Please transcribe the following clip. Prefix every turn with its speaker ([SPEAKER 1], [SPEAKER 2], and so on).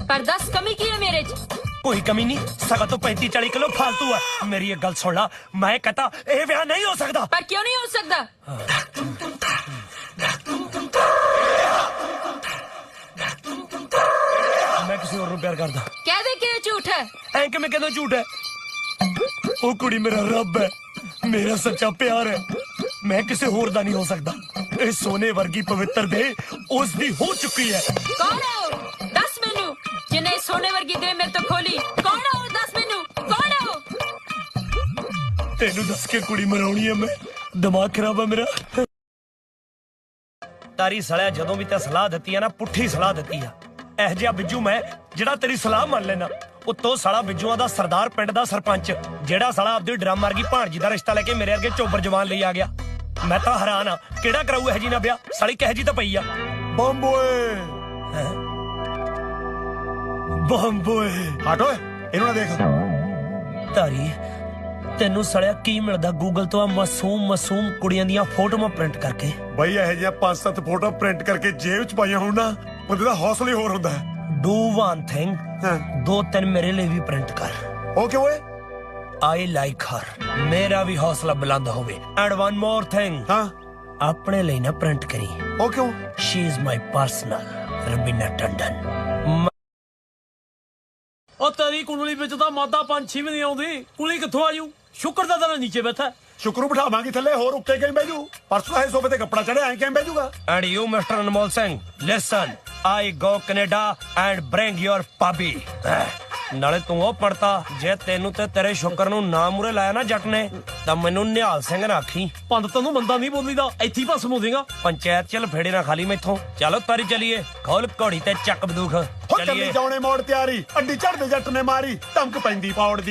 [SPEAKER 1] पर 10 कमी की है मेरे च?
[SPEAKER 2] कोई कमी नहीं, सगा तो 35-40 किलो फालतू है। मेरी एक गल सुन ला, मैं कहता ये ब्याह नहीं हो सकता।
[SPEAKER 1] पर क्यों नहीं हो सकता?
[SPEAKER 2] मैं किसी और प्यार करदा।
[SPEAKER 1] कह दे कि झूठ है।
[SPEAKER 2] ऐ कि मैं कहना झूठ है? ओ कुड़ी मेरा रब है, मेरा सच्चा प्यार है, मैं किसी होर दा नहीं हो सकता। इस सोने वर्गी पवित्र दे उस दी हो चुकी है।
[SPEAKER 1] कौन है वो? दस मैनू जिन्हें सोने वर्गी दे मेरे तो खोली। कौन है वो? दस मैनू कौन है वो?
[SPEAKER 2] तेनू दस के कुड़ी मराउणी है मैं, दिमाग खराब है मेरा। तारी सड़िया ਜਦੋਂ ਵੀ ਤੇ ਸਲਾਹ ਦਿੱਤੀ ਹੈ ਨਾ, ਪੁੱਠੀ ਸਲਾਹ ਦਿੱਤੀ ਆ। ਇਹ ਜਿਹਾ ਬਿੱਜੂ ਮੈਂ ਜਿਹੜਾ ਤੇਰੀ ਸਲਾਹ ਮੰਨ ਲੈਣਾ। ਉੱਤੋਂ ਸਾਲਾ ਬਿੱਜੂਆਂ ਦਾ ਸਰਦਾਰ, ਪਿੰਡ ਦਾ ਸਰਪੰਚ, ਜਿਹੜਾ ਸਾਲਾ ਆਪਦੀ ਡਰਮ ਮਾਰ ਗਈ ਭਾਣਜੀ ਦਾ ਰਿਸ਼ਤਾ ਲੈ ਕੇ ਮੇਰੇ ਅੱਗੇ ਚੋਬਰ ਜਵਾਨ ਲਈ ਆ ਗਿਆ। ਮੈਂ ਤਾਂ ਹੈਰਾਨ ਆ, ਕਿਹੜਾ ਕਰਾਊ ਇਹ ਜੀ ਨਾ ਵਿਆਹ? ਸਾਲੀ ਕਹੇ ਜੀ ਤਾਂ ਪਈ ਆ। ਬੰਬੋਏ ਬੰਬੋਏ
[SPEAKER 3] ਹਟ ਓਏ, ਇਹਨੂੰ ਨਾ ਦੇਖ।
[SPEAKER 2] ਤਾਰੀ ਤੈਨੂੰ ਸੜਿਆ ਕੀ ਮਿਲਦਾ ਗੂਗਲ ਤੋਂ ਆ ਮਾਸੂਮ ਕੁੜੀਆਂ ਦੀਆਂ ਫੋਟੋਆਂ ਪ੍ਰਿੰਟ ਕਰਕੇ?
[SPEAKER 3] ਬਈ ਇਹ ਜਿਹੀਆਂ 5-7 ਫੋਟੋ ਪ੍ਰਿੰਟ ਕਰਕੇ ਜੇਬ ਚ ਪਾਈਆਂ ਹੋਣ ਨਾ, ਬੰਦੇ ਦਾ ਹੌਸਲਾ ਹੀ ਹੋਰ ਹੁੰਦਾ ਹੈ।
[SPEAKER 2] डू वन थिंग,
[SPEAKER 3] हाँ।
[SPEAKER 2] 2-3 मेरे लिए भी प्रिंट कर।
[SPEAKER 3] ओके ओए।
[SPEAKER 2] आई लाइक हर, मेरा भी हौसला बुलंद होवे। एंड वन मोर थिंग,
[SPEAKER 3] हाँ
[SPEAKER 2] अपने लिए ना प्रिंट करी।
[SPEAKER 3] ओ क्यों?
[SPEAKER 2] She is my personal Raveena Tandon.
[SPEAKER 4] ਉਹ ਤੇਰੀ ਕੁੰਡਲੀ ਵਿੱਚ ਤਾਂ ਮਾਦਾ ਪੰਛੀ ਵੀ ਨਹੀਂ ਆਉਂਦੀ। ਕੁਲੀ ਕਿੱਥੋਂ ਆਜੂ? ਸ਼ੁਕਰ ਦਾ ਤੇਰਾ ਨੀਚੇ ਬੈਠਾ।
[SPEAKER 3] ਸ਼ੁਕਰ ਨੂੰ ਬਿਠਾਵਾਂਗੀ ਥੱਲੇ, ਹੋਰ ਉੱਤੇ ਕਿਵੇਂ ਬਹਿ ਜੂ? ਪਰਸੋਂ ਇਹ ਸੋਫੇ ਤੇ ਕੱਪੜਾ ਚੜਿਆ, ਐਂ ਕਿਵੇਂ ਬਹਿ ਜੂਗਾ?
[SPEAKER 2] And you, Mr. Anmol Singh, listen. I go Canada and bring your puppy. ਨਾਲੇ ਤੂੰ ਉਹ ਪੜਤਾ, ਜੇ ਤੈਨੂੰ ਤੇ ਤੇਰੇ ਸ਼ੁਕਰ ਨੂੰ ਨਾ ਮੂਰੇ ਲਾਇਆ ਨਾ ਜੱਟ ਨੇ, ਤਾਂ ਮੈਨੂੰ ਨਿਹਾਲ ਸਿੰਘ ਨਾ ਆਖੀ।
[SPEAKER 4] ਪੰਡਤ ਨੂੰ ਮੰਦਾ ਨਹੀਂ ਬੋਲੀਦਾ, ਇੱਥੇ ਹੀ ਭਸਮ ਹੋ ਜਾਏਗਾ।
[SPEAKER 2] ਪੰਚਾਇਤ ਚ ਲਫੇੜੇ ਨਾ ਖਾਲੀ ਮੈਥੋਂ। ਚਲੋ ਤਾਰੀ ਚਲੀਏ, ਖੋਲ ਘੋੜੀ ਤੇ ਚੱਕ ਬੰਦੂਕ।
[SPEAKER 3] ਹੋ ਚੱਲੀ ਜਾਉਣੇ ਮੋੜ ਤਿਆਰੀ, ਅੱਡੀ ਝੜਦੇ ਜੱਟ ਨੇ ਮਾਰੀ, ਧਮਕ ਪੈਂਦੀ ਪੌੜ ਦੀ।